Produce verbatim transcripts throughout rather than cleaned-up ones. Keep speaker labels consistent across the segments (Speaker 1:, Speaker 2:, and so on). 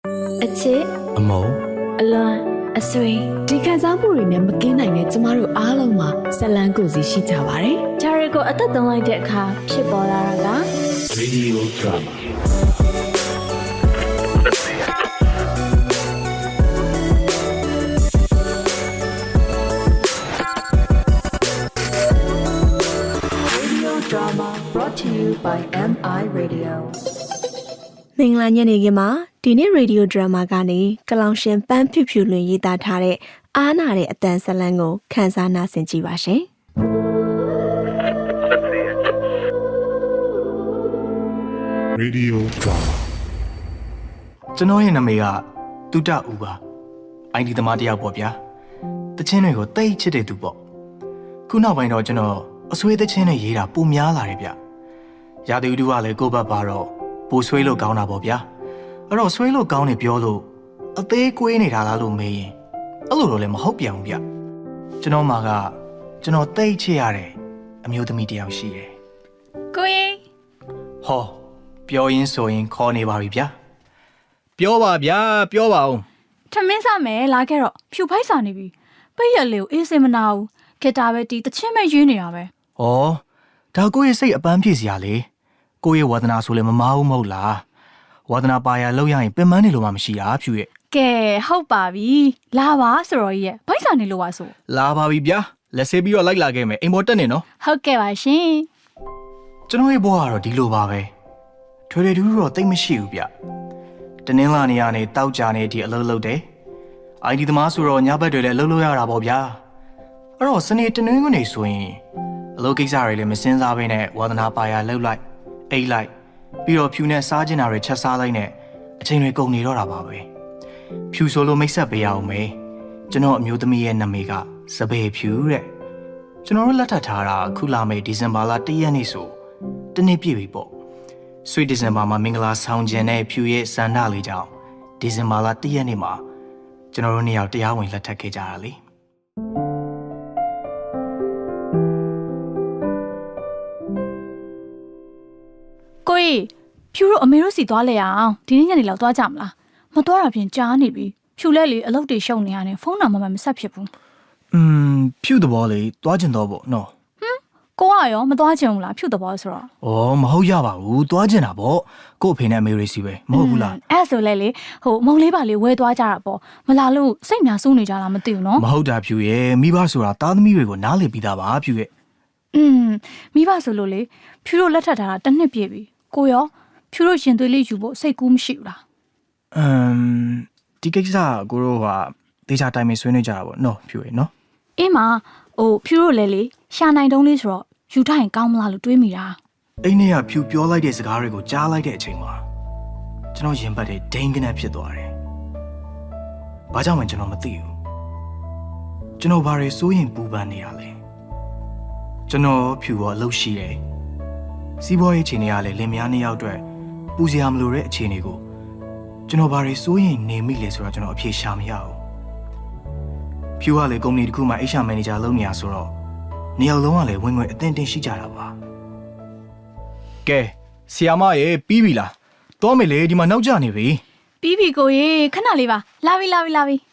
Speaker 1: အချစ်
Speaker 2: အမုံ
Speaker 1: အလွန်အဆွေဒီခံစားမှုတွေနဲ့မကင်းနိုင်တဲ့ကျမတို့အားလုံးမှာဇလန်းကိုစီရှိကြပါတယ်။ဂျာရီကိုအသက်သွင်းလိုက်တဲ့အခါဖြစ်ပေါ်လာတာက
Speaker 2: Radio Drama
Speaker 1: Drama brought to you by เอ็ม ไอ Radio
Speaker 3: မင်္ဂလာညနေခင်းမှာဒီနေ့ Radio Drama ကနေကလောင်ရှင်ပန်းဖြူဖြူလွင်ရေးသားထားတဲ့အားနာတဲ့အတန်ဇလန်းကိုခန်းစားနာဆင်ကြည့်ပါရှင်။
Speaker 2: Radio Drama
Speaker 4: ကျွန်တော်ရဲ့နာမည်ကတူတဦးပါအိုင်ဒီသမားတယောက်ပေါ့ဗျာတချင်းတွေကိုတိတ်ချစ်တဲ့သူပေါ့ခုနောက်ပိုင်းတော့ကျွန်တော်အဆွေးသချင်းတွေရေးတာပုံများလာတယ်ဗျရာသီဥတုကလည်းကိုယ့်ဘက်ပါတော့ပိုဆွေးလို့ကောင်းတာပေါ့ဗျာအဲ့တော့ဆွေးလို့ကောင်းနေပြောလို့အသေးကွေးနေတာလားလို့မေးရင်အဲ့လိုတော့လည်းမဟုတ်ပြန်ဘူးဗျကျွန်တော်မှာကကျွန်တော်တိတ်ချစ်ရတဲ့အမျိုးသမီးတယောက်ရှိတယ်
Speaker 5: ကိုရင်
Speaker 4: ဟောပြောရင်းဆိုရင်ခေါ်နေပါပြီဗျာပြောပါဗျာပြောပါဦး
Speaker 5: ထမင်းစားမယ်လာခဲ့တော့ဖြူဖိုက်စာနေပြီပိတ်ရက်လေးကိုအေးစင်မနာဘူးဂီတာပဲတီးတချင်းပဲရွေးနေတာပဲ
Speaker 4: ။ဩဒါကိုယ့်ရဲ့စိတ်အပန်းဖြစ်စရာလေ။ကိုယ့်ရဲ့ဝါသနာဆိုလည်းမမားဘူးမဟုတ်လား။ဝါသနာပါရလောက်ရရင်ပင်ပန်းနေလို့မှမရှိတာဖြူရဲ့
Speaker 5: ကဲဟုတ်ပါပြီလာပါဆိုတော့ကြီးရဲ့ဖိုက်စာနေလို့ပါဆို
Speaker 4: ။လာပါပြီဗျာ။လက်ဆေးပြီးတော့လိုက်လာခဲ့မယ်အိမ်ပေါ်တက်နေနော်
Speaker 5: ဟုတ်ကဲ့ပါရှင်
Speaker 4: ။ကျွန်တော်ရဲ့ဘဝကတော့ဒီလိုပါပဲ။ထွေထွေထူးထူးတော့တိတ်မရှိဘူးဗျ။တနင်္လာနေ့ကနေတောက်ကြနေဒီအလုပ်လုပ်တယ်။အိုင်ဒီသမားဆိုတော့ညဘက်တွေလည်းအလုပ်လုပ်ရတာပေါ့ဗျာ။အဲ့တော့စနေတနင်္ဂနွေဆိုရင်အလုပ်ကိစ္စတွေလည်းမစင်းစားဘဲနဲ့ဝါသနာပါရလှုပ်လိုက်အိတ်လိုက်ပြီးတော့ဖြူနဲ့စားကျင်တာတွေချက်စားလိုက်နဲ့အချိန်တွေကုန်နေတော့တာပါပဲဖြူဆိုလို့မိတ်ဆက်ပေးရအောင်မေကျွန်တော်အမျိုးသမီးရဲ့နာမည်ကစပယ်ဖြူတဲ့ကျွန်တော်တို့လက်ထပ်ထားတာခုလာမယ့်ဒီဇင်ဘာလတရက်နေ့ဆိုတနေ့ပြည့်ပြီပေါ့ဆွေဒီဇင်ဘာမှာမင်္ဂလာဆောင်ခြင်းနဲ့ဖြူရဲ့စန္ဒလေးကြောင့်ဒီဇင်ဘာလတရက်နေ့မှာကျွန်တော်တို့နှစ်ယောက်တရားဝင်လက်ထပ်ခဲ့ကြတာလေ
Speaker 5: ကိုရင်ဖြူတို့အမေတို့စီသွားလဲအောင်ဒီနေ့ညနေလောက်သွားကြမလားမသွားတာဖြင့်ကြားနေပြီဖြူလဲလေအလုပ်တွေရှုပ်နေရတယ်ဖုန်းတော့မမမဆက်ဖြစ်ဘူး
Speaker 4: อืมဖြူတဘောလေးသွားကျင်တော့ပေါ့နော်
Speaker 5: ဟမ်ကိုကရောမသွားချင်ဘူးလားဖြူတဘောဆိုတော့
Speaker 4: ဩမဟုတ်ရပါဘူးသွားကျင်တာပေါ့ကို့အဖေနဲ့အမေရိစီပဲမဟုတ်ဘူးလား
Speaker 5: အဲ့ဆိုလဲလေဟိုမုံလေးပါလေးဝဲသွားကြတာပေါ့မလာလို့စိတ်များစိုးနေကြလားမသိဘူးနော်
Speaker 4: မဟုတ်တာဖြူရဲ့မိဘဆိုတာသားသမီးတွေကိုနားလည်ပြီးသားပါဖြူရဲ့
Speaker 5: อืมမိဘဆိုလို့လေဖြူတို့လက်ထပ်ထားတာတစ်နှစ်ပြည့်ပြီကိုရောဖြူတို့ရှင်သွေးလေးယူဖို့စိတ်ကူးမရှိဘူးလား
Speaker 4: အမ်ဒီကိစ္စကိုတို့ကဒေချာတိုင်းမှာဆွေးနွေးကြတာပေါ့နော်ဖြူရဲ့နော်
Speaker 5: အေးမဟိုဖြူတို့လည်းလေရှာနိုင်တုံးလေးဆိုတော့ယူထားရင်ကောင်းမလားလို့တွေးမိတာ
Speaker 4: အိမ်ထဲကဖြူပြောလိုက်တဲ့စကားတွေကိုကြားလိုက်တဲ့အချိန်မှာကျွန်တော်ရင်ပတ်တဲ့ဒိန်းကနေဖြစ်သွားတယ်ဘာကြောင့်မှကျွန်တော်မသိဘူးကျွန်တော်ဘာတွေစိုးရင်ပူပန်နေရလဲကျွန်တော်ဖြူရောအလုပ်ရှိတယ်စီးပွားရေးအခြေအနေကလည်းလင်မယားနှစ်ယောက်အတွက်ပူစရာမလိုတဲ့အခြေအနေကိုကျွန်တော်ဘာတွေစိုးရင်နေမိလဲဆိုတော့ကျွန်တော်အဖြေရှာမရဘူးဖြူကလည်းကုမ္ပဏီတစ်ခုမှာ H R manager လုပ်နေရဆိုတော့နေရာလုံးကလည်းဝင်ငွေအသင့်တင်ရှိကြတာပါကဲဆီယာမရေပြီးပြီလားတော့မယ်လေဒီမှာနောက်ကျနေပြီ
Speaker 5: ပြီးပြီကိုရေခဏလေးပါလာပြီလာပြီလာပြီ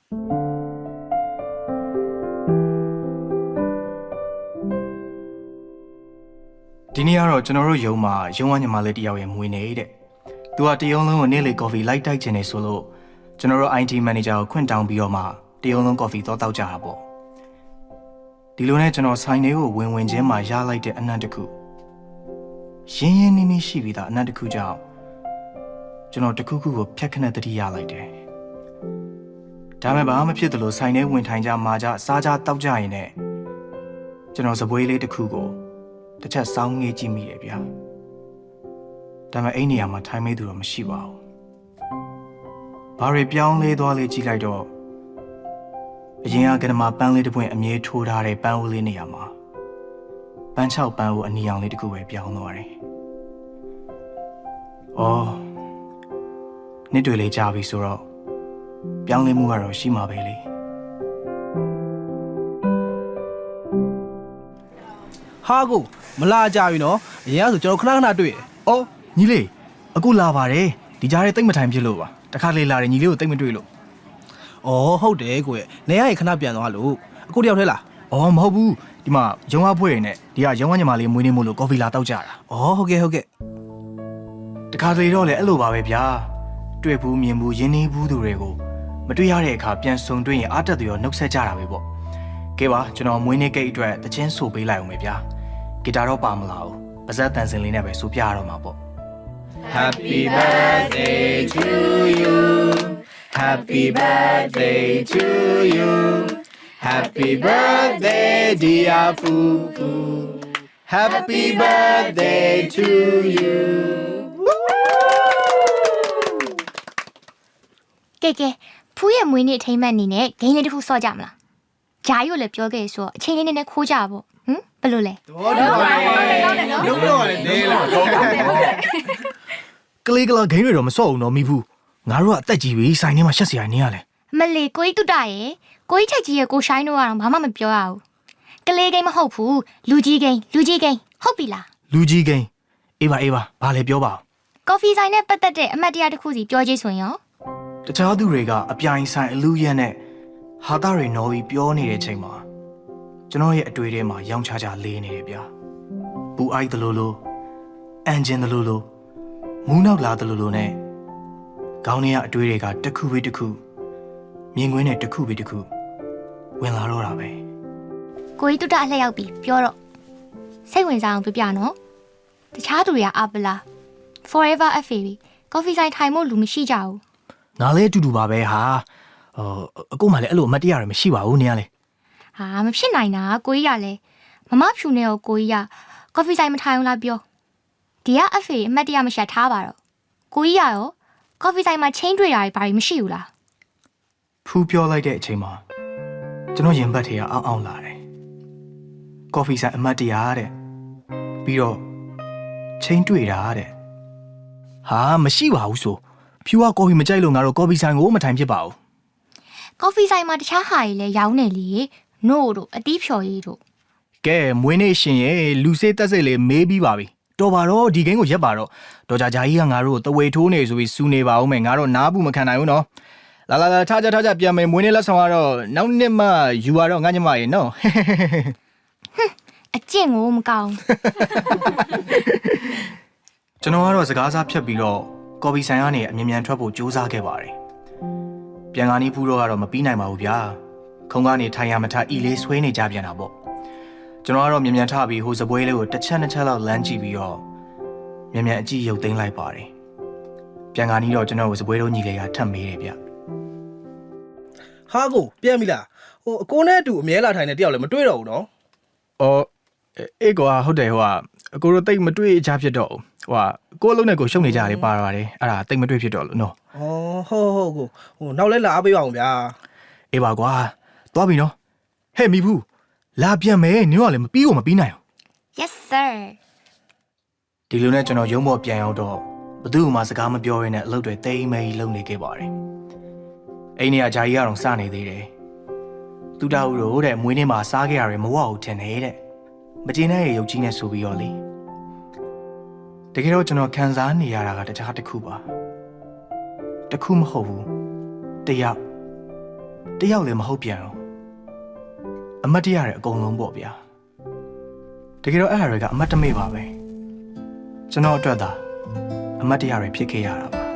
Speaker 4: ဒီနေ့ကတော့ကျွန်တော်တို့ရုံမှာရုံဝညီမလေးတယောက်ရဲ့မွေးနေတဲ့သူကတရုံလုံးကိုနေ့လေကော်ဖီလိုက်တိုက်ချင်နေဆိုလို့ကျွန်တော်တို့ I T manager ကိုခွင့်တောင်းပြီးတော့မှတရုံလုံးကော်ဖီတော့တောက်ကြတာပေါ့ဒီလိုနဲ့ကျွန်တော်ဆိုင်လေးကိုဝင်ဝင်ချင်းမှာရလိုက်တဲ့အနံ့တစ်ခုရင်းရင်းနှီးနှီးရှိပြီးသားအနံ့တစ်ခုကြောင့်ကျွန်တော်တစ်ခုခုကိုဖြတ်ခနဲ့တတိရလိုက်တယ်ဒါမဲ့ဘာမှမဖြစ်သလိုဆိုင်ထဲဝင်ထိုင်ကြမှာကြစားကြတောက်ကြရင်နဲ့ကျွန်တော်စပွဲလေးတစ်ခုကိုတစ်ချက်စောင်းငေးကြည့်မိရဲ့ဗျာဒါပေမဲ့အဲ့နေရာမှာထိုင်မိသူတော့မရှိပါဘူးဘာတွေပြောင်းလဲသွားလဲကြည့်လိုက်တော့အရင်ကကနမပန်းလေးတစ်ပွင့်အမြဲထိုးထားတဲ့ပန်းဦးလေးနေရာမှာပန်းချောက်ပန်းဦးအနီရောင်လေးတစ်ခုပဲပြောင်းသွားတယ်အော်နှစ်တွေလေးကြာပြီဆိုတော့ပြောင်းလဲမှုကတော့ရှိမှာပဲလေ
Speaker 6: ဟာကိုမလာကြပြီနော်အရင်ကဆိုကျွန်တော်ခဏခဏတွေ့တယ်
Speaker 4: ။အော်ညီလေးအခုလာပါတယ်ဒီကြားထဲတိတ်မထိုင်ဖြစ်လို့ပါတခါလေလာတယ်ညီလေးကိုတိတ်မတွေ့လို့
Speaker 6: ။အော်ဟုတ်တယ်ကိုရဲ့။နေရရင်ခဏပြန်သွားလို့အခုတယောက်ထဲလား
Speaker 4: အော်မဟုတ်ဘူးဒီမှာရုံးဝဖွဲ့ရနဲ့ဒီကရုံးဝညီမလေးမွေးနေမို့လို့ကော်ဖီလာတောက်ကြတာ
Speaker 6: ။အော်ဟုတ်ကဲ့ဟုတ်ကဲ့
Speaker 4: တခါလေတော့လေအဲ့လိုပါပဲဗျာတွေ့ဘူးမြင်ဘူးရင်းနှီးဘူးသူတွေကိုမတွေ့ရတဲ့အခါပြန်ဆုံတွေ့ရင်အားတက်သူရောနှုတ်ဆက်ကြတာပဲပေါ့ကဲပါကျွန်တော်မွေးနေ့ကိတ်အတွက်တချင်းဆိုပေးလိုက်အောင်ပဲဗျာဂီတာတော့ပါမလားဘူးပါဇက်တန်စင်လေးနဲ့ပဲဆိုပြရတော့မှာပေါ့
Speaker 6: Happy birthday to you Happy birthday to you Happy birthday dear Fufu Happy birthday to you
Speaker 7: ကဲကဲဖူးရဲ့မွေးနေ့အထိမ်းအမှတ်အနေနဲ့ဂိမ်းလေးတစ်ခုစော့ကြမလားဂျာရို့လည်းပြောခဲ့ဆိုအချိန်လေးနဲ့ခိုးကြပါပေါ့ဟမ်ဘယ်လိုလဲ
Speaker 6: ဘောတူပါလေလုံးတော့လည်းနေလား
Speaker 4: ကလေးကလာဂိမ်းတွေတော့မစော့အောင်တော့မိဘူးငါတို့ကအသက်ကြီးပြီဆိုင်ထဲမှာရှက်စရာနေရလဲ
Speaker 7: အမလေးကိုကြီးတုတ္တရဲ့ကိုကြီးထက်ကြီးရဲ့ကိုရှိုင်းတို့ကတော့ဘာမှမပြောရဘူးကလေးဂိမ်းမဟုတ်ဘူးလူကြီးဂိမ်းလူကြီးဂိမ်းဟုတ်ပြီလား
Speaker 4: လူကြီးဂိမ်းအေးပါအေးပါဘာလဲပြောပါဦး
Speaker 7: ကော်ဖီဆိုင်နဲ့ပတ်သက်တဲ့အမတ်တရားတစ်ခုစီပြောကြည့်ဆိုရင်ရော
Speaker 4: တခြားသူတွေကအပြိုင်ဆိုင်အလူရက်နဲ့ဟာသားတွေနော်ပြီးပြောနေတဲ့ချိန်မှာကျွန်တော်ရဲ့အတွေ့အထဲမှာရောင်ချချလေးနေတယ်ဗျာပူအိုက်တလို့လို့အန်ဂျင်တလို့လို့မူးနောက်လာတလို့လို့နဲ့ခေါင်းထဲကအတွေ့တွေကတစ်ခုပြီးတစ်ခုမြင်ကွင်းနဲ့တစ်ခုပြီးတစ်ခုဝင်လာတော့တာပဲ
Speaker 7: ကိုကြီးတုတ္တအလှည့်ရောက်ပြီပြောတော့စိတ်ဝင်စားအောင်ပြပြနော်တခြားသူတွေကအာပလာ forever အဖေပြီကော်ဖီဆိုင်ထိုင်ဖို့လူမရှိကြဘူး
Speaker 4: ငါလည်းအတူတူပါပဲဟာဟိုအကိုမှလည်းအဲ့လိုအမတ်တရားတွေမရှိပါဘူးနေရလေ
Speaker 7: ဟာမဖြစ်နိုင်တာကိုကြီးကလည်းမမဖြူနေကိုကိုကြီးကကော်ဖီဆိုင်မထိုင်အောင်လားပြောဒီကအဖေအမတ်တရားမရှက်ထားပါတော့ကိုကြီးကရောကော်ဖီဆိုင်မှာချင်းတွေ့တာတွေဘာတွေမရှိဘူးလား
Speaker 4: ဖူးပြောလိုက်တဲ့အချိန်မှာကျွန်တော်ရင်ဘတ်ထဲကအောင်းအောင်းလာတယ်ကော်ဖီဆိုင်အမတ်တရားတဲ့ပြီးတော့ချင်းတွေ့တာတဲ့ဟာမရှိပါဘူးဆိုဖြူကကော်ဖီမကြိုက်လို့ငါတို့ကော်ဖီဆိုင်ကိုမထိုင်ဖြစ်ပါဘူး
Speaker 7: ကော်ဖီဆိုင်မှာတခြားဟာတွေလည်းရောင်းနေလေနို့တို့အတီးဖြော်ရည်တို့
Speaker 4: ကဲမွေးနေ့ရှင်ရဲ့လူစေးတက်စိတ်လေးမေးပြီးပါပြီတော်ပါတော့ဒီဂိမ်းကိုရက်ပါတော့တော်ကြကြကြီးကငါတို့ကိုတဝေထိုးနေဆိုပြီးစူနေပါဦးမယ်ငါတို့နားဘူးမခံနိုင်ဘူးနော်လာလာလာထားကြထားကြပြန်မယ်မွေးနေ့လက်ဆောင်ကတော့နောက်နှစ်မှယူရတော့ငါညမရေနော်
Speaker 7: အကျင့်ကိုမကောင်း
Speaker 4: ကျွန်တော်ကတော့စကားစားဖြတ်ပြီးတော့ကော်ဖီဆိုင်ကနေအမြင်မြန်ထွက်ဖို့ကြိုးစားခဲ့ပါတယ်ပြန်ကားနီးဖူးတော့ကတော့မပြီးနိုင်ပါဘူးဗျာခုံကနေထိုင်ရမထအီလေးဆွေးနေကြပြန်တာပေါ့ကျွန်တော်ကတော့မြန်မြန်ထပြီးဟိုစပွဲလေးကိုတစ်ချက်နှစ်ချက်လောက်လမ်းကြည့်ပြီးတော့မြန်မြန်အကြည့်ရုပ်သိမ်းလိုက်ပါတယ်ပြန်ကားနီးတော့ကျွန်တော်ကိုစပွဲတော့ညီလေးကထပ်မေးတယ်ဗျ
Speaker 6: ။ဟာကိုပြန်ပြီလား။ဟိုအကိုနဲ့အတူအမြဲလာထိုင်နေတယောက်လည်းမတွေ့တော့ဘူးနော်
Speaker 4: အော်အေးကွာဟုတ်တယ်ဟိုကအကိုတို့တိတ်မတွေ့ကြဖြစ်တော့ဟိုကကိုအလုံးနဲ့ကိုရှုပ်နေကြတယ်ပါပါတယ်အဲ့ဒါတိတ်မတွေ့ဖြစ်တော့လို့နော်
Speaker 6: ။အော်ဟုတ်ဟုတ်ကိုဟိုနောက်လဲလာအားပေးပါအောင်ဗျာ
Speaker 4: အေးပါကွာသွားပြီနော်ဟဲ့မိဘူးလာပြန်မယ်နင်ကလည်းမပြီးကိုမပြီးနိုင်ဘူး
Speaker 7: yes sir
Speaker 4: ဒီလိုနဲ့ကျွန်တော်ရုံးပေါ်ပြန်ရောက်တော့ဘသူ့မှစကားမပြောရင်းနဲ့အလုပ်တွေတိမ်မဲကြီးလုပ်နေခဲ့ပါတယ်အိမ်နေကဂျာကြီးကတော့စနေသေးတယ်သူတောက်တို့တဲ့မွေးနေ့မှာစားခဲ့ရတယ်မဝဘူးထင်တယ်တဲ့မကျေနပ်ရဲ့ရုပ်ကြီးနဲ့ဆိုပြီးတော့လေတကယ်တော့ကျွန်တော်ခံစားနေရတာကတခြားတစ်ခုပါတစ်ခုမဟုတ်ဘူးတယောက်တယောက်လည်းမဟုတ်ပြန်ဘူးအမတ်တရတဲ့အကုန်လုံးပေါ့ဗျာတကယ်တော့အဲ့ဟာတွေကအမတ်တမေ့ပါပဲကျွန်တော်အတွက်သာအမတ်တရတွေဖြစ်ခဲ့ရတာပါ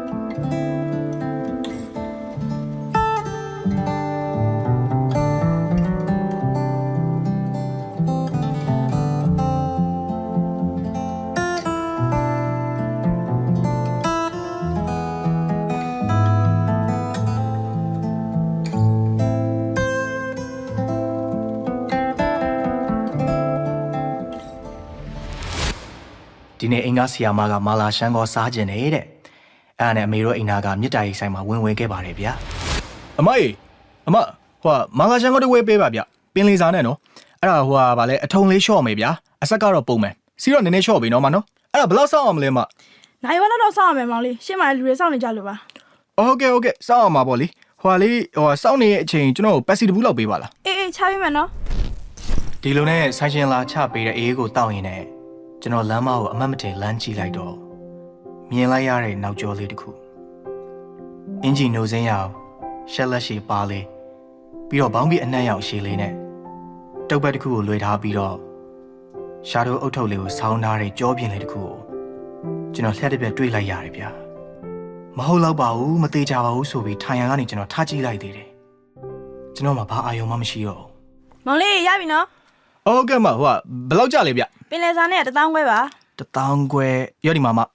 Speaker 4: ဒီနေ့အင်္ဂါဆီယာမကမာလာရှန်ကိုစားကျင်နေတဲ့အဲ့ဒါနဲ့အမေတို့အိမ်သားကမြစ်တာရီဆိုင်မှာဝင်ဝင်ခဲ့ပါတယ်ဗျာအမကြီးအမဟိုမာလာရှန်ကိုတွေဝေးပေးပါဗျပင်လေးစားနဲ့နော်အဲ့ဒါဟိုဟာဗာလဲအထုံလေးလျှော့မယ်ဗျာအဆက်ကတော့ပုံမယ်စီတော့နည်းနည်းလျှော့ပြီနော်မနော်အဲ့ဒါဘယ်လောက်စောင့်အောင်မလဲမ
Speaker 8: နိုင်ဝက်တော့စောင့်ရမယ်မောင်လေးရှင်းမလူတွေစောင့်နေကြလို့ပါ
Speaker 4: ဟုတ်ကဲ့ဟုတ်ကဲ့စောင့်အောင်ပါပေါ့လေဟိုဟာလေးဟိုစောင့်နေတဲ့အချိန်ကျွန်တော်ကိုပက်စီတဘူးလောက်ပေးပါလား
Speaker 8: အေးအေးချပေးမယ်နော်
Speaker 4: ဒီလိုနဲ့ဆိုင်ရှင်လာချပေးတဲ့အေးကိုတောက်ရင်လည်းကျွန်တော်လမ်းမကိုအမတ်မတင်လမ်းကြည့်လိုက်တော့မြင်လိုက်ရတဲ့နောက်ကျော်လေးတစ်ခုအင်ဂျီနိုစင်းရအောင်ရှက်လက်ရှည်ပါလေးပြီးတော့ဘောင်းပြီးအနှံ့ရောက်ရှည်လေးနဲ့တုပ်ပတ်တစ်ခုကိုလွှဲထားပြီးတော့ရှာတို့အုတ်ထုပ်လေးကိုဆောင်းထားတဲ့ကြောပြင်းလေးတစ်ခုကိုကျွန်တော်လှက်တစ်ပြက်တွေးလိုက်ရတယ်ဗျာမဟုတ်တော့ပါဘူးမသေးကြပါဘူးဆိုပြီးထိုင်ရန်ကနေကျွန်တော်ထားကြည့်လိုက်သေးတယ်ကျွန်တော်မှဘာအာရုံမှမရှိတော့ဘူး
Speaker 8: မောင်လေးရပြီနော်
Speaker 6: ဟုတ်ကဲ့မဟိုကဘယ်လောက်ကြလဲဗျ
Speaker 8: ပင်လယ်စာနဲ့တသောင်းခွဲပါ
Speaker 4: တထောင်ခွဲရောဒီမှာမ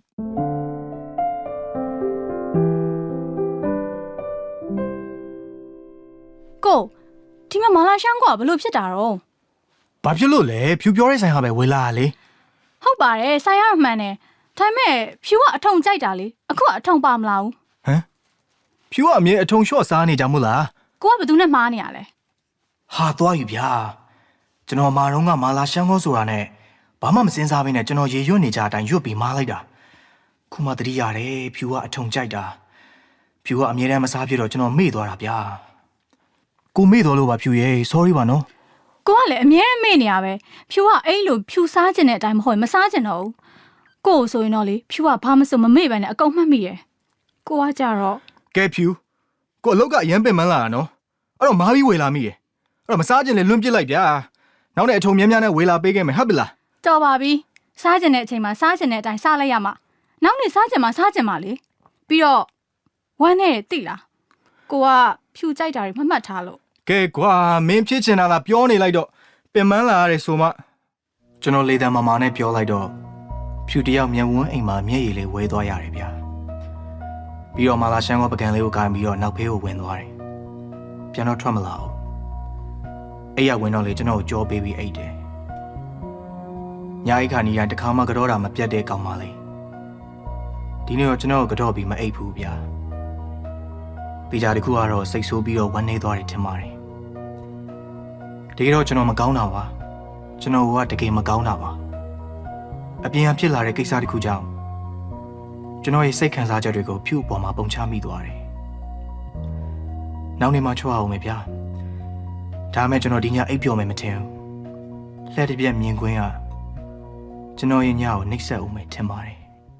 Speaker 5: ကိုဒီမှာမာလာရှန်ကွာဘလို့ဖြစ်တာတော့
Speaker 4: ဘာဖြစ်လို့လဲဖြူပြောတဲ့ဆိုင်ဟာပဲဝေလာလေ
Speaker 5: ဟုတ်ပါတယ်ဆိုင်ရမှန်တယ်ဒါပေမဲ့ဖြူကအထုံကြိုက်တာလေအခုကအထုံပါမလားဘူး
Speaker 4: ဟမ်ဖြူကအမြဲအထုံလျှော့စားနေကြမို့လား
Speaker 5: ကိုကဘယ်သူနဲ့မှားနေရလဲ
Speaker 4: ဟာသွားယူဗျာကျွန်တော်မာတော့ကမာလာရှန်ကောဆိုတာနဲ့ဘာမှမစင်စားဘဲနဲ့ကျွန်တော်ရေရွတ်နေကြအတိုင်းရွတ်ပြီးမားလိုက်တာခုမှတတိရတယ်ဖြူကအထုံကြိုက်တာဖြူကအမြဲတမ်းမစားဖြစ်တော့ကျွန်တော်မေ့သွားတာဗျာကိုမေ့တော်လို့ပါဖြူရဲ့ sorry ပါနော်
Speaker 5: ကိုကလည်းအမြဲမေ့နေရပဲဖြူကအဲ့လိုဖြူစားကျင်တဲ့အတိုင်းမဟုတ်ရင်မစားကျင်တော့ဘူးကိုဆိုရင်တော့လေဖြူကဘာမစုံမမေ့ပဲနဲ့အကုန်မှတ်မိရယ်ကိုကကြတော့
Speaker 4: ကဲဖြူကိုအလုတ်ကအရန်ပင်မန်းလာတာနော်အဲ့တော့မားပြီးဝေလာမိရဲ့အဲ့တော့မစားကျင်လေလွန့်ပစ်လိုက်ဗျာနောက်နဲ့အထုံများများနဲ့ဝေလာပေးခဲ့မယ်ဟုတ်ပြီလား
Speaker 5: တော်ပါပြီစားကျင်တဲ့အချိန်မှာစားကျင်တဲ့အတိုင်းစားလိုက်ရမှာနောက်နေ့စားကျင်မှာစားကျင်မှာလေပြီးတော့ဝမ်းနဲ့တိလားကိုကဖြူကြိုက်တာတွေမမှတ်ထားလို့
Speaker 4: ကဲကွာမင်းဖြစ်ချင်တာလားပြောနေလိုက်တော့ပင်မန်းလာရတယ်ဆိုမှကျွန်တော်လေတံမာမာနဲ့ပြောလိုက်တော့ဖြူတယောက်မျက်ဝန်းအိမ်မှာမျက်ရည်လေးဝဲသွားရတယ်ဗျာပြီးတော့မာလာရှန်ကပကံလေးကိုကိုင်ပြီးတော့နောက်ဖေးကိုဝင်သွားတယ်ပြန်တော့ထွက်မလာဘူးအဲ့ရဝင်တော့လေကျွန်တော်ကိုကြောပေးပြီးအိတ်တယ်ညာအိတ်ခါနီးတိုင်းတစ်ခါမှကြောတာမပြတ်တဲ့ကောင်မလေးဒီနေ့တော့ကျွန်တော်ကိုကြောပြီးမအိတ်ဘူးဗျာတေချာတခုကတော့စိတ်ဆိုးပြီးတော့ဝမ်းနေသွားတယ်ထင်ပါတယ်တကယ်တော့ကျွန်တော်မကောင်းတာပါကျွန်တော်ကတကယ်မကောင်းတာပါအပြင်အဖြစ်လာတဲ့ကိစ္စတခုကြောင့်ကျွန်တော်ရဲ့စိတ်ခံစားချက်တွေကိုဖြူအပေါ်မှာပုံချမိသွားတယ်နောက်နေ့မှချွတ်အောင်မယ်ဗျာဒါမဲ့ကျွန်တော်ဒီညအိပ်ပျော်မယ်မထင်ဘူးလှည့်တစ်ပြက်မြင်ကွင်းကကျွန်တော်ရဲ့ညကိုနှိပ်စက်အောင်မယ်ထင်ပါတယ်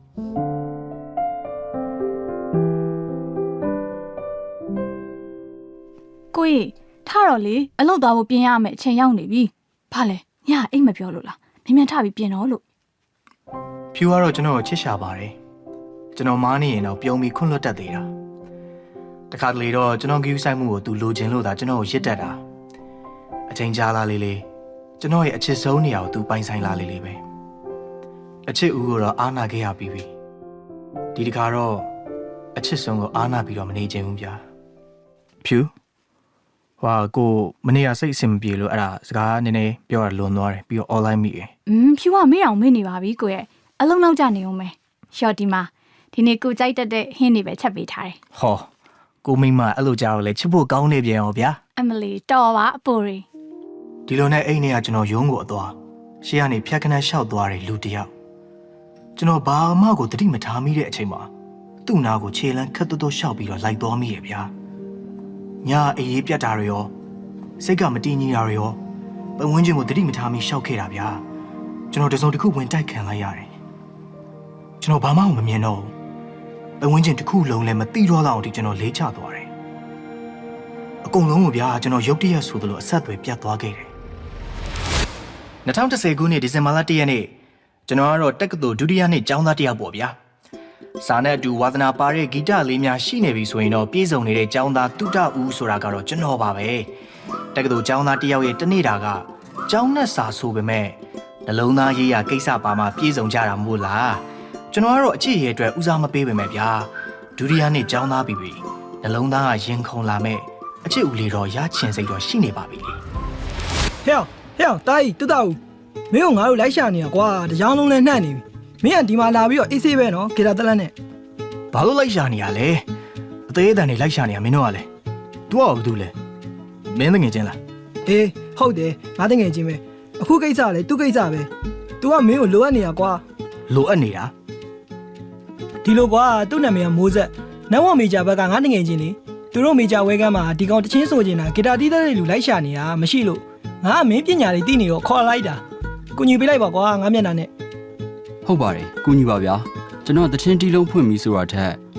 Speaker 5: ကိုကြီးထားတော့လေအလုပ်သွားဖို့ပြင်ရမယ်အချိန်ရောက်နေပြီဘာလဲညအိတ်မပြောလို့လားမြန်မြန်ထပြီးပြင်တော့လို့
Speaker 4: ဖြူကတော့ကျွန်တော်ကိုချစ်ရှာပါတယ်ကျွန်တော်မားနေရင်တော့ပြုံးပြီးခွန့်လွတ်တတ်သေးတာတခါတလေတော့ကျွန်တော်ဂယူးဆိုင်မှုကိုသူလိုချင်လို့သာကျွန်တော်ကိုရစ်တတ်တာအချိန်ကြာလာလေးလေးကျွန်တော်ရဲ့အချစ်ဆုံးနေရာကိုသူပိုင်ဆိုင်လာလေးလေးပဲအချစ်ဦးကိုတော့အားနာခဲ့ရပြီးပြီဒီတခါတော့အချစ်ဆုံးကိုအားနာပြီးတော့မနေချင်ဘူးဗျာဖြူဟွာကိုမနေ့ကစိတ်အဆင်မပြေလို့အဲ့ဒါစကားနည်းနည်းပြောရလွန်သွားတယ်ပြီးတော့ online မိတယ်
Speaker 5: อืมဖြူကမေ့အောင်မေ့နေပါပြီကိုရဲ့အလုံးနောက်ကျနေအောင်မယ်ရှော့ဒီမှာဒီနေ့ကိုကြိုက်တတ်တဲ့ဟင်းတွေပဲချက်ပေးထားတယ်
Speaker 4: ဟောကိုမိမအဲ့လိုကြောက်လေချစ်ဖို့ကောင်းနေပြန်ရောဗျာ
Speaker 5: အမလီတော်ပါအပိုရီ
Speaker 4: ဒီလိုနဲ့အိမ်ထဲကကျွန်တော်ရုံးကိုအသွားရှေ့ကနေဖြတ်ခနဲ့ရှောက်သွားတယ်လူတယောက်ကျွန်တော်ဘာမှကိုတတိမထားမိတဲ့အချိန်မှာသူ့နာကိုခြေလမ်းခက်တွတ်တွတ်ရှောက်ပြီးတော့လိုက်သွားမိရဲ့ဗျာညာအေးအေးပြတ်တာတွေရောစိတ်ကမတည်ငြိမ်တာတွေရောပတ်ဝန်းကျင်ကိုတတိမထားမိရှောက်ခဲ့တာဗျာကျွန်တော်တစုံတစ်ခုဝင်တိုက်ခံလိုက်ရတယ်ကျွန်တော်ဘာမှမမြင်တော့ဘူးပတ်ဝန်းကျင်တစ်ခုလုံးလည်းမသိတော့လောက်အောင်ဒီကျွန်တော်လေးချသွားတယ်အကုန်လုံးကိုဗျာကျွန်တော်ရုတ်တရက်ဆိုသလိုအဆက်အသွယ်ပြတ်သွားခဲ့တယ်၂၀၁၀ခုနှစ်ဒီဇင်ဘာလ၁ရက်နေ့ကျွန်တော်ကတော့တက္ကသိုလ်ဒုတိယနှစ်ကျောင်းသားတစ်ယောက်ပေါ့ဗျာစာနဲ့အတူဝါသနာပါတဲ့ဂီတလေးများရှိနေပြီဆိုရင်တော့ပြည်စုံနေတဲ့ကျောင်းသားတုတဦးဆိုတာကတော့ကျွန်တော်ပါပဲတက္ကသိုလ်ကျောင်းသားတစ်ယောက်ရဲ့တနေ့တာကကျောင်းနဲ့စာဆိုပေမဲ့နှလုံးသားရေးရာကိစ္စပါမှပြည်စုံကြတာမို့လားကျွန်တော်ကတော့အချစ်ရဲ့အတွက်ဦးစားမပေးပေမဲ့ဗျာဒုတိယနှစ်ကျောင်းသားပြီပြီနှလုံးသားကရင်ခုန်လာမဲ့အချစ်ဦးလေးတော့ရချင်စိတ်တော့ရှိနေပါပြီလေ
Speaker 9: ဟဲ့ဟဲ့တာကြီးတူတူမင်းကငါတို့လိုက်ရှာနေတာကွာတကြောင်လုံးနဲ့နှံ့နေပြီမင်းကဒီမှာလာပြီးတော့အေးဆေးပဲနော်ဂီတာတလက်နဲ့
Speaker 4: ဘာလို့လိုက်ရှာနေရလဲအသေးအတန်နေလိုက်ရှာနေရမင်းတို့ကလည်း तू ကဘာလုပ်လဲမင်းတငယ်ချင်းလား
Speaker 9: အေးဟုတ်တယ်ငါတငယ်ချင်းပဲအခုကိစ္စလေသူ့ကိစ္စပဲ तू ကမင်းကိုလိုအပ်နေတာကွာ
Speaker 4: လိုအပ်နေတာ
Speaker 9: ဒီလိုကွာသူ့နာမည်ကမိုးဆက်နဝမေဂျာဘက်ကငါတငယ်ချင်းလေသူတို့မေဂျာဝဲကမ်းမှာဒီကောင်တချင်းဆိုနေတာဂီတာတီးတဲ့လူလိုက်ရှာနေတာမရှိလို့ငါကမင်းပညာတွေသိနေတော့ခေါ်လိုက်တာကူညီပေးလိုက်ပါကွာငါမျက်နှာနဲ့
Speaker 10: ဟုတ်ပါတယ်ကူညီပါဗျာကျွန်တော်တချင်းတီးလုံးဖွင့်ပြီးဆိုတာထက်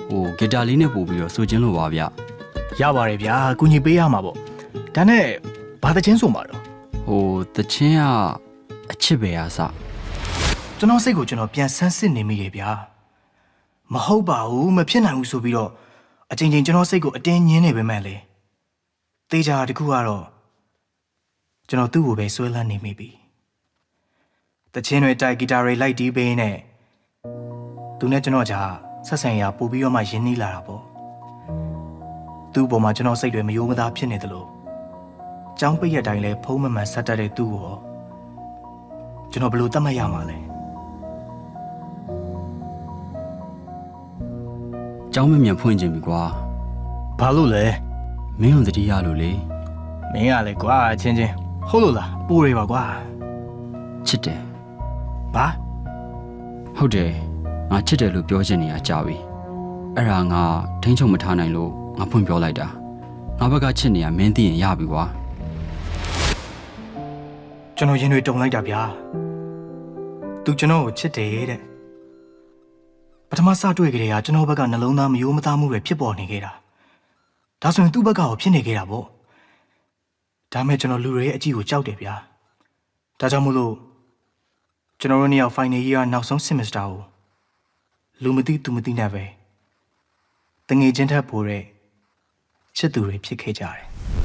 Speaker 10: ဟိုဂီတာလေးနဲ့ပို့ပြီးတော့ဆိုချင်းလို့ပါဗျ
Speaker 4: ရပါတယ်ဗျာကုညီပေးရမှာပေါ့ဒါနဲ့ဘာတချင်းဆိုမှာတော့
Speaker 10: ဟိုတချင်းကအချစ်ပဲအားစ
Speaker 4: ကျွန်တော်စိတ်ကိုကျွန်တော်ပြန်ဆန်းစစ်နေမိတယ်ဗျာမဟုတ်ပါဘူးမဖြစ်နိုင်ဘူးဆိုပြီးတော့အချိန်ချင်းကျွန်တော်စိတ်ကိုအတင်းညင်းနေပေမဲ့လေတေးကြတခုကတော့ကျွန်တော်သူ့ကိုပဲဆွဲလန်းနေမိပြီတချင်းတွေတိုက်ဂီတာတွေလိုက်တီးပေးနေသူနဲ့ကျွန်တော်ကြာဆက်ဆံရာပို့ပြီးတော့မှရင်းနှီးလာတာပေါ့သူ့ပေါ်မှာကျွန်တော်စိတ်တွေမယိုးမသားဖြစ်နေတယ်လို့ကြောင်းပိတ်ရတိုင်းလဲဖုံးမမှန်ဆက်တတ်တဲ့သူ့ကိုကျွန်တော်ဘယ်လိုသတ်မှတ်ရမှာလဲ
Speaker 10: เจ้าမမြန်ဖွင့်ခြင်းပြီကွာ
Speaker 4: ဘာလို့လဲ
Speaker 10: မင်းတို့တတိယလို့လေ
Speaker 4: မင်းကလည်းကွာချင်းချင်းဟုတ်လို့လားပိုးရပါကွာ
Speaker 10: ချစ်တယ်
Speaker 4: ဘာ
Speaker 10: ဟုတ်တယ်ငါချစ်တယ်လို့ပြောချင်နေရကြာပြီအဲ့ဒါငါထိန်းချုပ်မထားနိုင်လို့ငါဖွင့်ပြောလိုက်တာငါဘက်ကချစ်နေရမင်းသိရင်ရပြီကွာ
Speaker 4: ကျွန်တော်ရင်တွေတုန်လိုက်တာဗျာသူကျွန်တော်ကိုချစ်တယ်တဲ့ပထမစတွေ့ကြတဲ့ကကျွန်တော်ဘက်ကနှလုံးသားမယိုးမသားမှုတွေဖြစ်ပေါ်နေခဲ့တာဒါဆိုရင်သူ့ဘက်ကရောဖြစ်နေခဲ့တာပေါ့ဒါမဲ့ကျွန်တော်လူတွေရဲ့အကြည့်ကိုကြောက်တယ်ဗျာဒါကြောင့်မို့လို့ကျွန်တော်တို့နှစ်ယောက် final year နောက်ဆုံး semester ကိုလူမသိသူမသိနဲ့ပဲတငယ်ချင်းထက်ပိုတဲ့ချစ်သူတွေဖြစ်ခဲ့ကြတယ်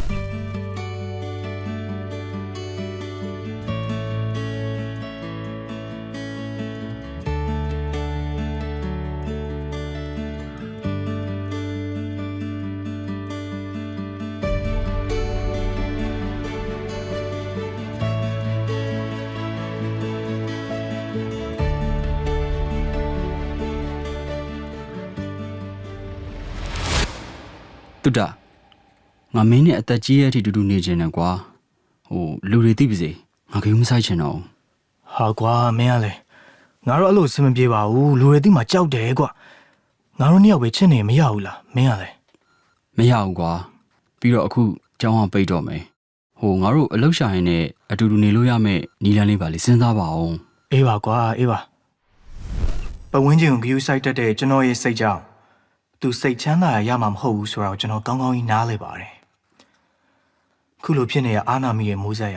Speaker 10: တုဒ္ဒငါမင်းနဲ့အသက်ကြီးရဲ့အထိတူတူနေချင်တယ်ကွာဟိုလူတွေသိပါစေငါကယူမဆိုင်ချင်တော့
Speaker 4: ဟာကွာမင်းကလည်းငါတို့အဲ့လိုစင်မပြေပါဘူးလူတွေသိမှကြောက်တယ်ကွာငါတို့နှစ်ယောက်ပဲချစ်နေမရဘူးလားမင်းကလည်း
Speaker 10: မရဘူးကွာပြီးတော့အခုကြောင်းအောင်ပိတ်တော့မယ်ဟိုငါတို့အလောက်ရှာရင်နဲ့အတူတူနေလို့ရမယ့်နီလန်းလေးပါလေစဉ်းစားပါအောင်
Speaker 4: အေးပါကွာအေးပါပဝင်းချင်းကိုဂယူဆိုင်တက်တဲ့ကျွန်တော်ရဲ့စိတ်ကြောင့်သူစိတ်ချမ်းသာရမှာမဟုတ်ဘူးဆိုတော့ကျွန်တော်ကောင်းကောင်းကြီးနားလဲပါတယ်ခုလိုဖြစ်နေရအာနာမီရဲ့မိုးဆက်ရ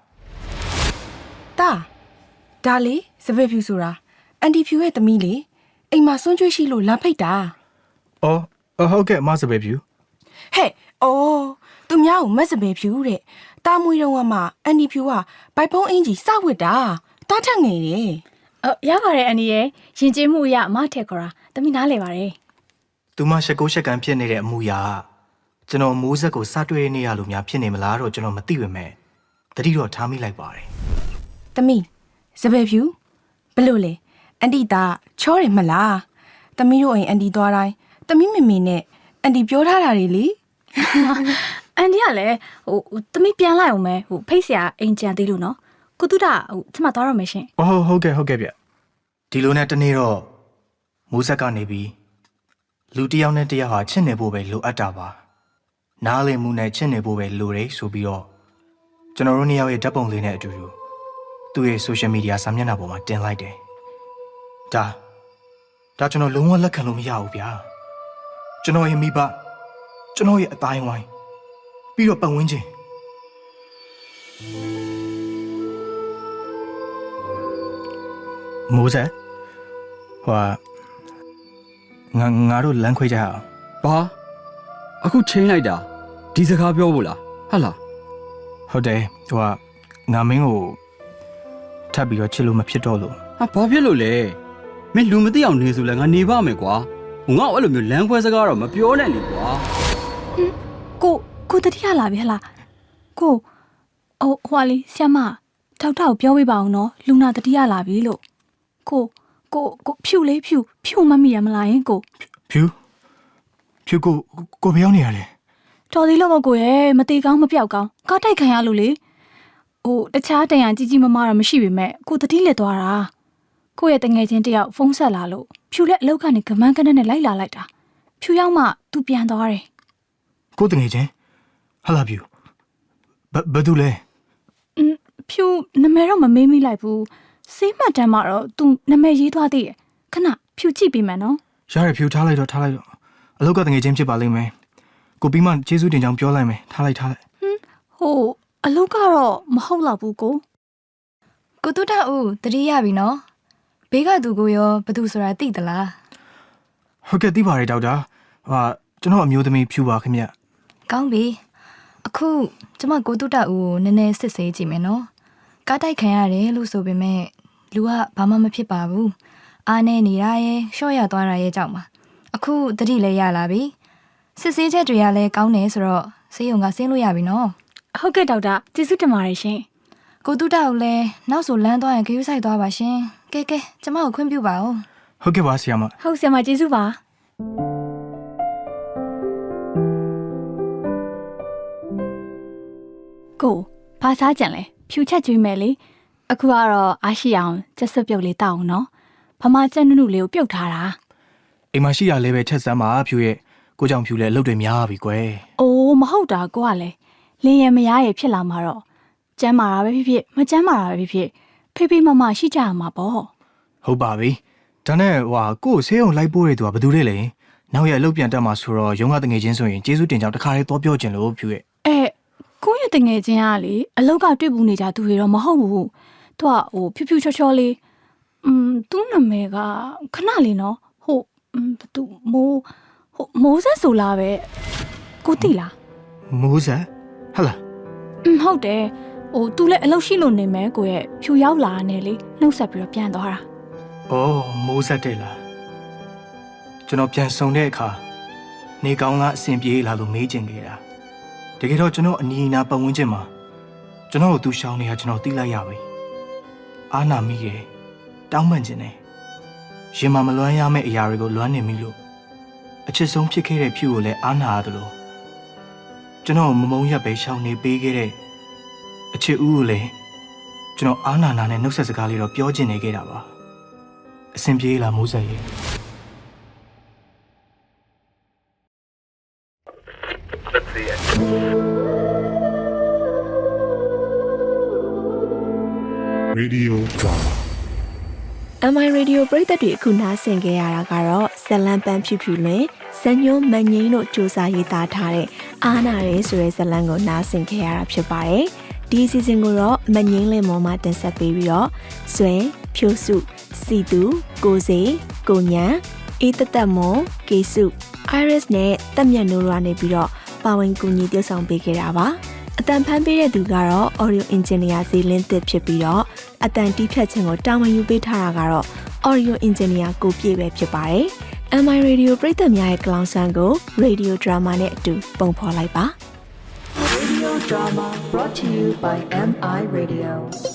Speaker 11: တာဒါလေစပယ်ဖြူဆိုတာအန်တီဖြူရဲ့သမီးလေအိမ်မှာစွန့်ကြွေးရှိလို့လမ်းဖိတ်တာ
Speaker 4: အော်အော်ဟုတ်ကဲ့မဆပဲဖြူ
Speaker 11: ဟဲ့အော်သူများကိုမက်စပယ်ဖြူတဲ့တာမွေတော့ကမှအန်တီဖြူကဘိုက်ဖုံးအင်ကြီးစဝစ်တာတားထက်ငယ်တယ်
Speaker 1: အော်ရပါတယ်အန်ဒီရဲ့ရင်ကျေးမှုအရအမထက်ခေါ်တာတမီးနားလဲပါတယ်
Speaker 4: သူမရှက်ကိုရှက်ကန်ဖြစ်နေတဲ့အမှုရာကျွန်တော်မိုးဆက်ကိုစတွေ့နေရလို့များဖြစ်နေမလားတော့ကျွန်တော်မသိပါမဲ့တတိတော့ထားမိလိုက်ပါတယ်
Speaker 11: သမီးစပယ်ဖြူဘလို့လဲအန်တီတာချောတယ်မလားသမီးတို့အိမ်အန်တီသွားတိုင်းသမီးမေမေနဲ့အန်တီပြောထားတာတွေလေ
Speaker 1: အန်ဒီကလည်းဟိုတမီးပြန်လိုက်အောင်မယ်ဟိုဖိတ်ဆရာအိမ်ကြံသေးလို့နော်ကိုတုဒဟိုကျမသွားရမယ်ရှင်
Speaker 4: အော်ဟုတ်ကဲ့ဟုတ်ကဲ့ဗျဒီလိုနဲ့တနေ့တော့မိုးဆက်ကနေပြီးလူတစ်ယောက်နဲ့တစ်ယောက်ဟာချစ်နေဖို့ပဲလိုအပ်တာပါနားလည်မှုနဲ့ချစ်နေဖို့ပဲလိုတယ်ဆိုပြီးတော့ကျွန်တော်တို့နှစ်ယောက်ရဲ့ဓာတ်ပုံလေးနဲ့အတူတူသူ့ရဲ့ social media စာမျက်နှာပေါ်မှာတင်လိုက်တယ်ဒါဒါကျွန်တော်လုံးဝလက်ခံလို့မရဘူးဗျာကျွန်တော်ရဲ့မိဘကျွန်တော်ရဲ့အတိုင်းဝိုင်းပြီးတော့ပတ်ဝန်းကျင်မိုးဆက်ဟွာငါငါတို့လမ်းခွဲကြအောင်
Speaker 10: ဘာအခုချိန်လိုက်တာဒီစကားပြောဖို့လားဟာလား
Speaker 4: ဟုတ်တယ်ဟိုကငါမင်းကိုထပ်ပြီးတော့ချစ်လို့မဖြစ်တော့လို့
Speaker 10: ဟာဘာဖြစ်လို့လဲမင်းလူမသိအောင်နေဆိုလဲငါနေပါမယ်ကွာဟိုငါ့အဲ့လိုမျိုးလမ်းခွဲစကားတော့မပြောနဲ့လေကွာ
Speaker 5: ကိုကိုတတိယလာပြီဟလားကိုဟိုဟွာလေးဆ iam မထောက်ထောက်ပြောပြပါအောင်နော်လူနာတတိယလာပြီလို့ကိုကိုကိုဖြူလေးဖြူဖြူမမိရမလားယင်ကို
Speaker 4: ဖြူဖြူကိုကိုဘယ်ရောက်နေရလဲ
Speaker 5: တော်သေးလို့မကိုရဲ့မသေးကောင်းမပြောက်ကောင်းကားတိုက်ခံရလို့လေဟိုတခြားတန်ရန်ကြီးကြီးမမတော့မရှိပေမဲ့ကိုတတိလက်သွားတာကိုရဲ့တငယ်ချင်းတယောက်ဖုန်းဆက်လာလို့ဖြူလက်အလောက်ကနေကမန်းကနက်နဲ့လိုက်လာလိုက်တာဖြူရောက်မှသူပြန်သွားတယ်
Speaker 4: ကိုတငယ်ချင်းဟာလာဖြူဘဘယ်သူလဲ
Speaker 5: อืมဖြူနာမည်တော့မမေးမိလိုက်ဘူးစေးမှတ်တမ်းမှာတော့သူနာမည်ရေးသွားသေးတယ်ခဏဖြူကြည့်ပြီးမယ်နော်
Speaker 4: ရရဖြူထားလိုက်တော့ထားလိုက်တော့အလောက်ကတငယ်ချင်းဖြစ်ပါလိမ့်မယ်ကိုပြီးမှကျေးဇူးတင်ကြောင်းပြောလိုက်မယ်ထားလိုက်ထားလိုက်
Speaker 5: ဟိုအလုပ်ကတော့မဟုတ်တော့ဘူးကို
Speaker 11: ကိုတူတာဦးတတိယပြီနော်ဘေးကသူကိုရောဘသူဆိုတာသိသလား
Speaker 4: ဟုတ်ကဲ့သိပါတယ်ဒေါက်တာဟာကျွန်တော်အမျိုးသမီးဖြူပါခင်ဗျ
Speaker 11: ကောင်းပြီအခုကျမကိုတူတာဦးကိုနည်းနည်းစစ်ဆေးကြည့်မယ်နော်ကားတိုက်ခံရတယ်လို့ဆိုပေမဲ့လူကဘာမှမဖြစ်ပါဘူးအားနေနေတာရဲ့ရှော့ရသွားတာရဲ့ကြောင့်ပါအခုတတိလည်းရလာပြီစစ်ဆေးချက်တွေကလည်းကောင်းတယ်ဆိုတော့ဆေးရုံကဆင်းလို့ရပြီနော်
Speaker 5: ဟုတ်ကဲ့ဒေါက်တာကျေးဇူးတင်ပါတယ်ရှင်
Speaker 11: ကိုတူတာကိုလည်းနောက်ဆိုလမ်းသွားရင်ခရူးဆိုင်သွားပါရှင်ကဲကဲကျမကိုခွင့်ပြုပါဦး
Speaker 4: ဟုတ်ကဲ့ပါဆီယာမ
Speaker 5: ဟုတ်ဆရာမကျေးဇူးပါကိုဘာစားကြံလဲဖြူချက်ကျွေးမယ်လေအခုကတော့အားရှိအောင်ချက်စွပ်ပြုတ်လေးတောက်အောင်နော်ဗမာချက်နုနုလေးကိုပြုတ်ထားတာ
Speaker 4: အိမ်မှာရှိရလဲပဲချက်စမ်းပါဖြူရဲ့ကိုကြောင့်ဖြူလဲအလုပ်တွေများပြီကွယ်
Speaker 5: အိုးမဟုတ်တာကိုကလည်းလင်းရမရရဲ့ဖြစ်လာမှာတော့ကျမ်းမာတာပဲဖြစ်ဖြစ်မကျမ်းမာတာပဲဖြစ်ဖြစ်ဖေးဖေးမမရှိကြရမှာပေါ့
Speaker 4: ဟုတ်ပါပြီဒါနဲ့ဟွာကို့ဆေးရုံလိုက်ပို့ရတဲ့သူကဘယ်သူလဲလဲနောက်ရအလုပ်ပြန်တက်မှာဆိုတော့ရုံးကတငယ်ချင်းဆိုရင်ကျေးဇူးတင်ကြောင်းတခါလေးတော့ပြောချင်လို့ဖြူရဲ့
Speaker 5: အဲကိုရဲ့တငယ်ချင်းကလေအလောက်ကတွေ့ဘူးနေကြသူတွေတော့မဟုတ်ဘူးသူကဟိုဖြူဖြူချောချောလေးอืมသူ့နာမည်ကခဏလေးနော်ဟိုဘသူမိုးဟိုမိုးဆက်ဆိုလားပဲကိုသိလား
Speaker 4: မိုးဆက်ဟလာ
Speaker 5: อืมဟုတ်တယ်ဟိုသူလည်းအလုပ်ရှိလို့နေမယ်ကိုရဲ့ဖြူရောက်လာနေလေနှုတ်ဆက်ပြီးတော့ပြန်သွားတာ
Speaker 4: အော်မိုးဆက်တဲ့လားကျွန်တော်ပြန်ဆုံတဲ့အခါနေကောင်းလားအဆင်ပြေလားလို့မေးချင်ခဲ့တာတကယ်တော့ကျွန်တော်အနီးအနားပတ်ဝန်းကျင်မှာကျွန်တော်တို့သူရှောင်းနေတာကျွန်တော်သိလိုက်ရပြီအာနာမိရဲ့တောင်းပန်ခြင်းနဲ့ရင်မမလွမ်းရမယ့်အရာတွေကိုလွမ်းနေမိလို့အချစ်ဆုံးဖြစ်ခဲ့တဲ့ဖြူကိုလည်းအာနာရတယ်လို့ကျွန်တော်မမုံရက်ပဲရှောင်းနေပေးခဲ့တဲ့အချစ်ဦးကိုလည်းကျွန်တော်အာနာနာနဲ့နှုတ်ဆက်စကားလေးတော့ပြောချင်နေခဲ့တာပါအဆင်ပြေလားမိုးဆက်ရဲ့
Speaker 2: Radio Drama
Speaker 3: M I Radio ပရိသတ်တွေအခုနားဆင်ကြရတာကတော့ဇလံပန်းဖြူဖြူလွင်စညုံမငိမ့်တို့စူးစမ်းရေးသားထားတဲ့အားနာရဲဆိုတဲ့ဇလံကိုနားဆင်ကြရတာဖြစ်ပါတယ်။ဒီ season ကိုတော့မငိမ့်လင်မော်မှတင်ဆက်ပေးပြီးတော့ဆွဲဖြိုးစုစီသူကိုစေကိုညံအေးတသက်မွန်ကေစု Iris နဲ့တက်မြတ်နိုးရွာနေပြီးတော့ပါဝင်ကူညီတည်ဆောင်ပေးခဲ့တာပါ။အတန်ဖန်ပေးတဲ့သူကတော့ Audio Engineer ဇီလင်းသစ်ဖြစ်ပြီးတော့အတန်တီးဖြတ်ခြင်းကိုတာဝန်ယူပေးထားတာကတော့ Audio Engineer ကိုပြည့်ပဲဖြစ်ပါတယ်။ M I Radio ပရိသတ်များရဲ့ကလောင်ဆန်းကို Radio Drama နဲ့အတူပုံဖော်လိုက်ပါ
Speaker 1: Radio Drama brought to you by M I Radio